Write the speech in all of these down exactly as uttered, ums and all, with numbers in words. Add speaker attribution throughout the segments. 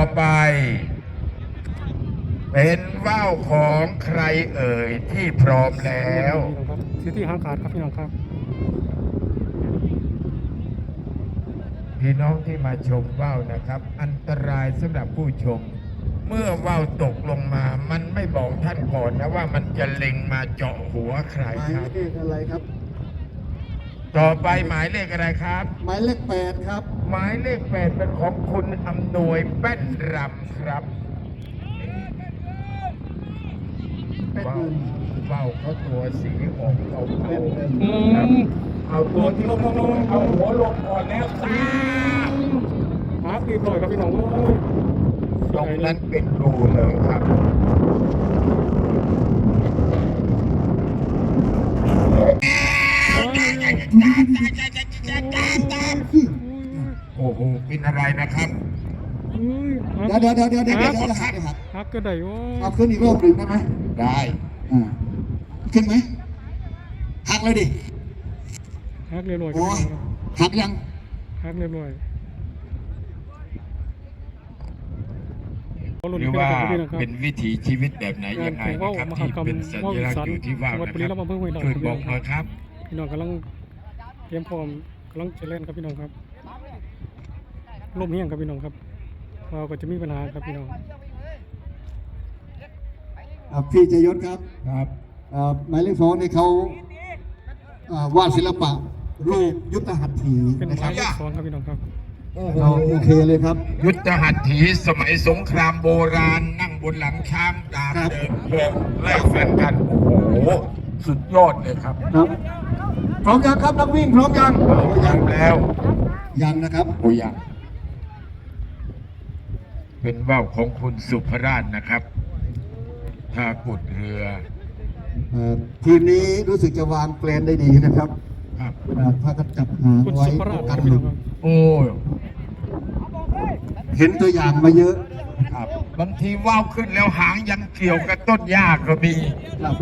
Speaker 1: ไปเป็นว่าวของใครเอ่ยที่พร้อมแล้ว
Speaker 2: ที่ที่ห้างขาดครับพี่น้องครับ
Speaker 1: พี่น้องที่มาชมว่าวนะครับอันตรายสำหรับผู้ชมเมื่อว่าวตกลงมามันไม่บอกท่านก่อนนะว่ามันจะเล็งมาเจาะหัวใครครับ
Speaker 3: หมายเลขอะไรครับ
Speaker 1: ต่อไปหมายเลขอะไรครับ
Speaker 3: หมายเลขแปดครับ
Speaker 1: หมายเลขแปดเป็นของคุณอำนวยแป้นรำครับว่าวว่าวเขาตัวสีออกเทาๆเอาตัวที่ลงลงเอาหัวลงก่อนแล้วตา
Speaker 2: หาตีปล่อยครับพี่น้อง
Speaker 1: ตรงนั้นเป็นรูเลยครับโอ้โหเป็นอะไรนะครับ
Speaker 3: เดี๋ยวเดี๋ยวเดี๋ยวเดี๋ยวเดี๋ยวเดี๋ยวหักหัก
Speaker 2: หักก็ได้โอ้
Speaker 3: เอาขึ้นอีกรอบหนึ่งได้ไหม
Speaker 1: ได้
Speaker 3: อ่าขึ้นไหมหักเลยดิ
Speaker 2: หักเรียบร้อย
Speaker 3: หักยัง
Speaker 2: หักเรียบร้อย
Speaker 1: หรือว่าเป็นวิถีชีวิตแบบไหนยังไงนะครับที่เป็นสัญลักษณ์อยู่ที่ว่าวนะครับช่วยบอกหน่อยครับ
Speaker 2: พี่น้องกำลังเตรียมพร้อมกำลังจะเล่นครับพี่น้องครับลมเฮี้ยงครับพี่น้องครับเราก็จะมีปัญหาครับพี่น้อง
Speaker 3: พี่จยศครับ
Speaker 1: ครับ
Speaker 3: หมายเลขสองนี่เขาวาดศิลปะรูปยุทธหัตถี
Speaker 2: เป็นหมายเลขสองครับพี่น้องครับ
Speaker 3: เราโอเคเลยครับ
Speaker 1: ยุทธหัตถีสมัยสงครามโบราณนั่งบนหลังช้างดาบเดินเพื่อไล่ฟันกันโอ้โหสุดยอดเลยครับ
Speaker 3: ครับพร้อมยังครับนักวิ่งพร้อมยัง
Speaker 1: ยังแล้ว
Speaker 3: ยังนะครับ
Speaker 1: โอ้ยังเป็นว่าวของคุณสุภราชนะครับท่ากุดเรือ
Speaker 3: ทีมนี้รู้สึกจะวางแปลนได้ดีนะครับ
Speaker 1: ครับ
Speaker 3: ถ้าก็จับหางไว้กันหลุด
Speaker 1: โอ้
Speaker 3: เห็นตัวอย่างมาเยอะ
Speaker 1: ครับบางทีว่าวขึ้นแล้วหางยังเกี่ยวกับต้นหญ้าก็มี
Speaker 3: ครับ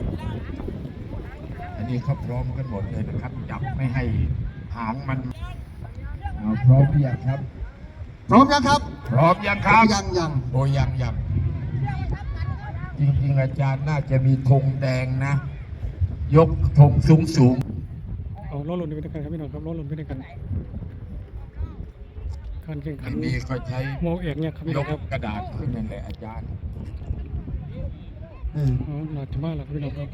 Speaker 1: อันนี้เขาพร้อมกันหมดเลยนะครับจับไม่ให้หางมันพร้อมหรือยังครับ
Speaker 3: พร้อมยังครับ
Speaker 1: พร้อมยังครับ
Speaker 3: ยังยัง
Speaker 1: โอ้ยังยังจริงๆอาจารย์น่าจะมีธงแดงนะยกธงสูงสูง
Speaker 2: เอาล้อหล่นไปด้วยกันครับพี่น้องครับล้อหล่นไปด้วยกันการแข่งขัน
Speaker 1: นี้เขาใช้
Speaker 2: โมเอกเนี่ยครับพี่น้องครับ
Speaker 1: กระดาษขึ้นนั่นแหละอาจารย์
Speaker 2: อืมอ๋อหนักมากแล้วครับพี่น้องครับ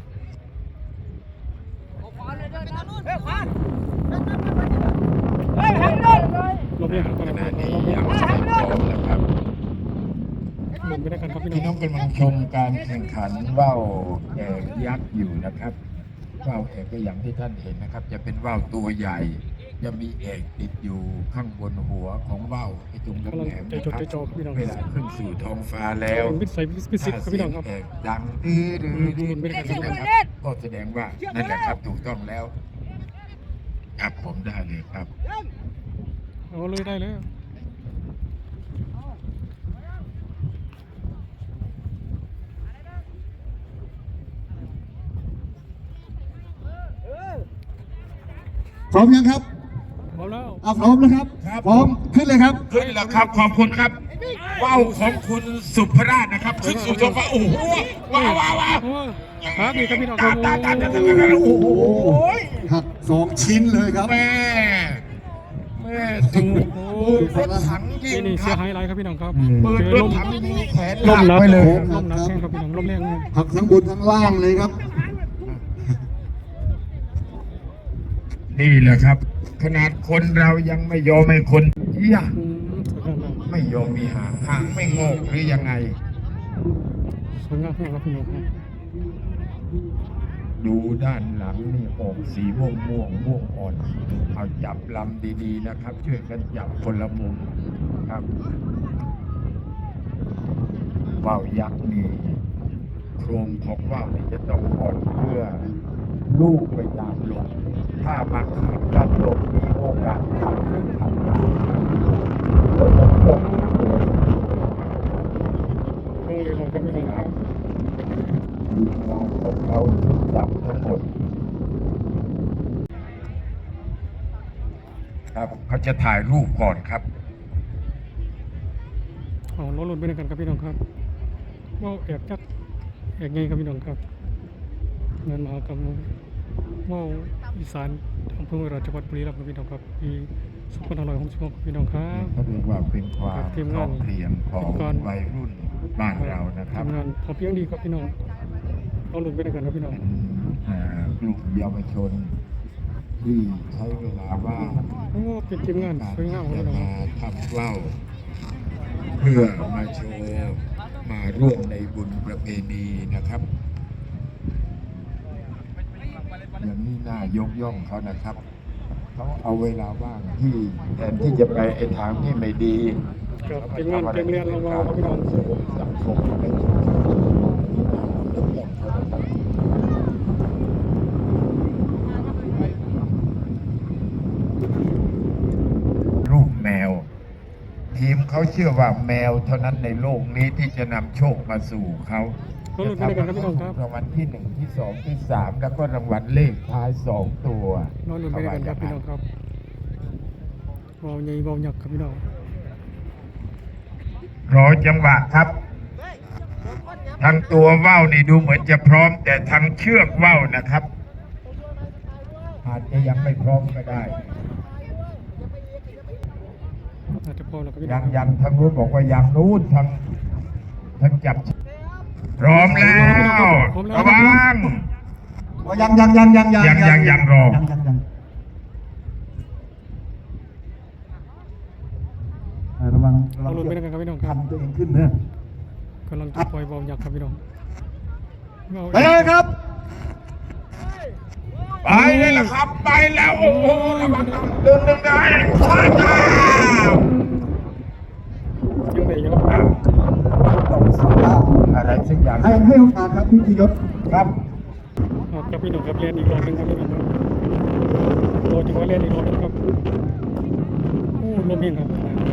Speaker 2: เราเรียกข
Speaker 1: ณะนี้ยังไม่พร้อมนะครับพี่น้องกำลังชมการแข่งขันว่าวเอกยักษ์อยู่นะครับว่าวเอกก็อย่างที่ท่านเห็นนะครับจะเป็นว่าวตัวใหญ่จะมีเอกติดอยู่ข้างบนหัวของว่าวไอ้ตรงแหลมนะครับเวลาขึ้นสู่ท้องฟ้าแล้วถ้าเสียงเอกดังดื้อดื้อดื้อนะครับก็แสดงว่านั่นแหละครับถูกต้องแล้วครับผมได้เลยครับ
Speaker 2: เอาเลยได้เลย
Speaker 3: พร้อมยังครับ
Speaker 2: พร้อมแล้ว
Speaker 3: อ่ะพร้อมแล้วครับพร้อมขึ้นเลยครับ
Speaker 1: ขึ้นแล้วครับขอบคุณครับว่าวของคุณสุภราชนะครับขึ้นสู่ท้องฟ้าโอ้โหว้าวว้าวว้าว
Speaker 2: ครับนี่ครับพี่น้องครับ
Speaker 3: โอ้โหหักสองชิ้นเลยครับ
Speaker 1: แม่แม่ถูกรถถังยิง
Speaker 2: นี่เสียหายอะไรครับพี่น้องครับ
Speaker 1: เปิดรถถังยิงแขน
Speaker 2: ล้มหนักไปเลยล้มหนักแข่งครับพี่น้องล้มแรง
Speaker 3: หักทั้งบนทั้งล่างเลยครับ
Speaker 1: นี่แหละครับขนาดคนเรายังไม่ยอมให้คนเหี้ยไม่ยอมมีหางหางไม่งอกหรือยังไง
Speaker 2: สวยงามครับพี่น้องครับ
Speaker 1: ดูด้านหลังนี่ออกสีม่วงม่วงม่วงอ่อนเอาจับลำดีๆนะครับช่วยกันจับคนละมุมครับว่าวยักษ์นี่โครงของว่าวนี่จะต้องอ่อนเพื่อลูกไปตามลมถ้ามาขืนกันลมมีโอกาสทำขึ้นทำมาก็จะตก
Speaker 2: นี่เลยของกันไม่ได้ครับ
Speaker 1: ทีมงานของเราจับทั้งหมดครับเขาจะถ่ายรูปก่อนครับ
Speaker 2: เอาล้อลุ่นไปด้วยกันครับพี่น้องครับว่าวแอกจักแอกไงครับพี่น้องครับงานมหากรรมว่าวอีสานอำเภอเมืองจังหวัดบุรีรัมย์ครับพี่น้องครับปีสองพันห้าร้อยหกสิบหกครับพี่น้องครับ
Speaker 1: เขาเรียกว่าเป็นความ
Speaker 2: ทีม
Speaker 1: พร้
Speaker 2: งา
Speaker 1: อน มเพรียงของ
Speaker 2: ทีมงาน
Speaker 1: วัยรุ่นบ้านเรานะครับ
Speaker 2: ทำงานพอเพียงดีครับพี่น้องล้อลุ่นไปด้วยกันครับพี่น้อง
Speaker 1: เป็นเอ่อกลุ่มเยาวชนที่ใช้เวลาว่าง
Speaker 2: โอ้เป็นทีมงานสวยงามครับ
Speaker 1: จะ
Speaker 2: พี่น้อง
Speaker 1: มาทำว่าวเพื่อมาโชว์มาร่วมในบุญประเพณีนะครับอย่างนี้น่ายกย่องเขานะครับเขาเอาเวลาว่างที่แทนที่จะไปไอ้ทางที่ไม่ดี
Speaker 2: ครับทีมงานเตรียมเรียนระวังครับพี่น้อง
Speaker 1: สังคมและชุมชนยกย่องเขานะครับรูปแมว ทีมเขาเชื่อว่าแมวเท่านั้นในโลกนี้ที่จะนำโชคมาสู่เขา
Speaker 2: ล้อลุ่นไปด้วยกันครับพี่น้องครับ
Speaker 1: รางวัลที่หนึ่งที่สองที่สามแล้วก็รางวัลเลขท้ายสองตัว
Speaker 2: ล้อลุ่นไปด้วยกันครับพี่น้องครับว่าวใหญ่ว่าวยักษ์ครับพี่น้อง
Speaker 1: รอจังหวะครับทางตัวว่าวนี่ดูเหมือนจะพร้อม แต่ทางเชือกว่าวนะครับ อาจจะยังไม่พร้อมก็ได้
Speaker 2: อาจจะพอแล้วครับพี่น้
Speaker 1: ยั
Speaker 2: อง
Speaker 1: งยังทางนู้นบอกว่ายังนู้นทางทางจับ พร้อมแล้วระวัง
Speaker 3: ยังยังยังยังยัง
Speaker 1: ยังยังยังรอ
Speaker 3: ยังยังยังอ่าระวังระวั
Speaker 2: เอา
Speaker 3: ง
Speaker 2: ลุ่นไปด้วยกันครับพี่น้องครับ
Speaker 3: ทำตัวเองขึ้นเนอะ
Speaker 2: กำลังจะปล่อยว่าวยักษ์ครับพี่น้องว่าว
Speaker 3: ไปเลยครับ
Speaker 1: ไปเลยละครับ ไปแล้วโอ้โหระวังเดินเดินได้ช้าช้า
Speaker 2: ยังไงยัง
Speaker 1: อะไรสักอย่าง
Speaker 3: ให้ให้โอกาสครับพี่ธียศ
Speaker 1: ครับ
Speaker 2: เอาครับพี่น้องครับเรียนอีกรอบหนึงครับพี่น้องครับรอจังหวะเรียนอีกรอบหนึงครับโอ้ลมเย็นครับ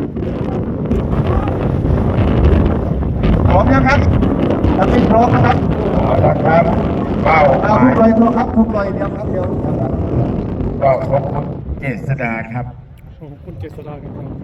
Speaker 3: พร้อมยังครับถ้าไม่พร้อมนะครับ
Speaker 1: เอาละครับเป้าห
Speaker 3: เอา
Speaker 1: มา
Speaker 3: ทุ
Speaker 1: ย
Speaker 3: กลอยตัวครับทุกลอยเดียวครับเดียว
Speaker 1: ก็ของคุณเจษดาครับ
Speaker 2: ขอบคุณเจษฎาครับพี่น้อง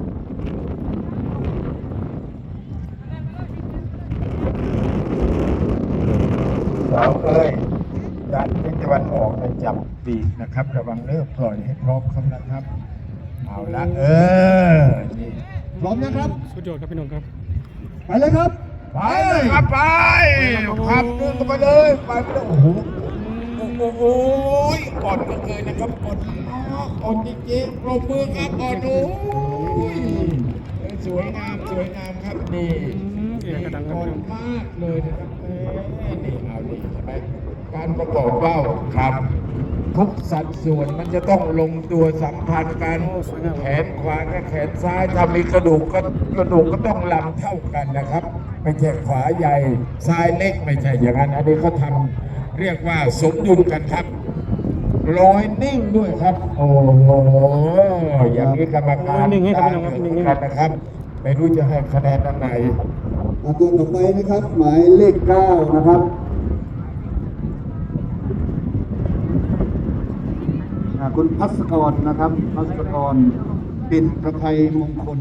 Speaker 1: สาวเอ้ยด้านทิศตะวันออกไปจับปีกนะครับ ระวังเลิกปล่อยให้พร้อมครับนะครับ เอาละเออนี่
Speaker 3: พร้อมนะครับ
Speaker 2: สุดยอดครับพี่น้องครับ
Speaker 3: ไปเลยครับ
Speaker 1: ไปเลยครับไปขับมือกันไปเลยไปไปเลยโอ้โหโอ้โหโอ้ยก่อนก็เคยนะครับก่อนก่อนจริงๆปรบมือครับก่อนโอ้ยสวยงามสวยงามครับนี่
Speaker 2: เอกกระดังครับ
Speaker 1: ก่อ
Speaker 2: พี่
Speaker 1: น
Speaker 2: น้อง
Speaker 1: มากเลยนะครับเอ้ยนี่เอานี่ใช่ไหมการประกอบเบ้าครับ ทุกสัดส่วนมันจะต้องลงตัวสัมพันธ์กันแขนขวากับแขนซ้ายถ้ามีกระดูกก็กระดูกก็ต้องลำเท่ากันนะครับไม่ใช่ขวาใหญ่ซ้ายเล็กไม่ใช่อย่างนั้นอันนี้เขาทำเรียกว่าสมดุลกันครับลอยนิ่งด้วยครับ โอ้โหอย่างนี้กรรมการ
Speaker 2: นิ่งให้ครับพี่น้องครับนิ่งๆ
Speaker 1: กันนะครับ ไม่รู้จะให้คะแนนอันไหน
Speaker 3: เอาตัวต่อไปนะครับ หมายเลขเก้านะครับอ่าคุณพัศกรนะครับพัศกรปิ่นประภัยมงคล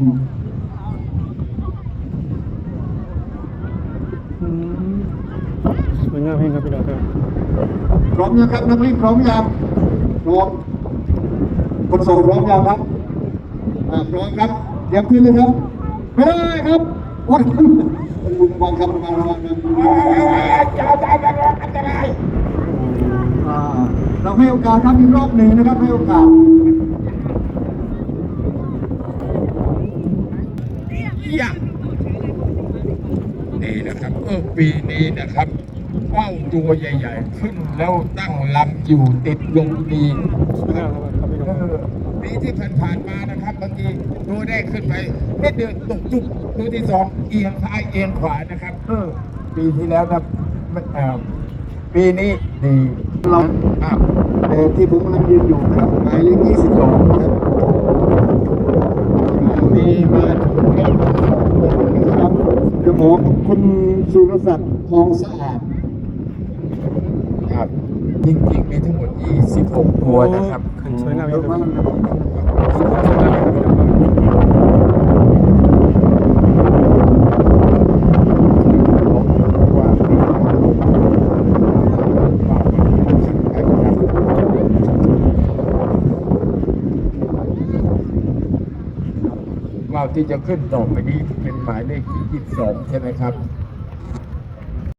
Speaker 2: อืมสวยงามเองครับพี่น้องครับ
Speaker 3: พร้อมยังครับนักวิ่งพร้อมยังพร้อมคนส่งพร้อมยังครับอ่าพร้อมครับเตรียมขึ้นเลยครับไปเลยครับวัดระวังครับระวังระวังนะ
Speaker 1: จ้าจ้าจ้าอันตราย
Speaker 3: อ่าเราให้โอกาสครับอีกรอบหนึ่งนะครับให้โอกาส
Speaker 1: ยะนี่นะครับเออปีนี้นะครับว่าวตัวใหญ่ๆ ขึ้นแล้วตั้งลำอยู่ติดลมดี
Speaker 2: สวยงามครับพี่น้อง
Speaker 1: เอ
Speaker 2: ครับ
Speaker 1: อปีที่ผ่านๆมานะครับบางทีตัวแรกขึ้นไปนิดเดียวตกจุกตัวที่สองเอียงซ้ายเอียงขวานะครับเออปีที่แล้วนะมันเอ่อปีนี้ดี
Speaker 3: เรา
Speaker 1: อ้าว
Speaker 3: แต่ที่ผมกำลังยืนอยู่นะครับหมายเลขยี่สิบสองนะครับ
Speaker 1: มีมาถูกต้อง
Speaker 3: ครับจะบอกคุณสุรศักดิ์ทองสะอาด
Speaker 1: ครับจริงๆมีทั้งหมดยี่สิบหกตัวนะครับ
Speaker 2: ขึ้นสวยงาม
Speaker 3: เย
Speaker 2: เอง
Speaker 3: อะ
Speaker 2: ครับ
Speaker 3: มากนะครับ
Speaker 2: สวยงามเองครับพี่น้องครับ
Speaker 1: ว่าวที่จะขึ้นต่อไปนี้เป็นหมายเลขยี่สิบสองใช่ไหมครับ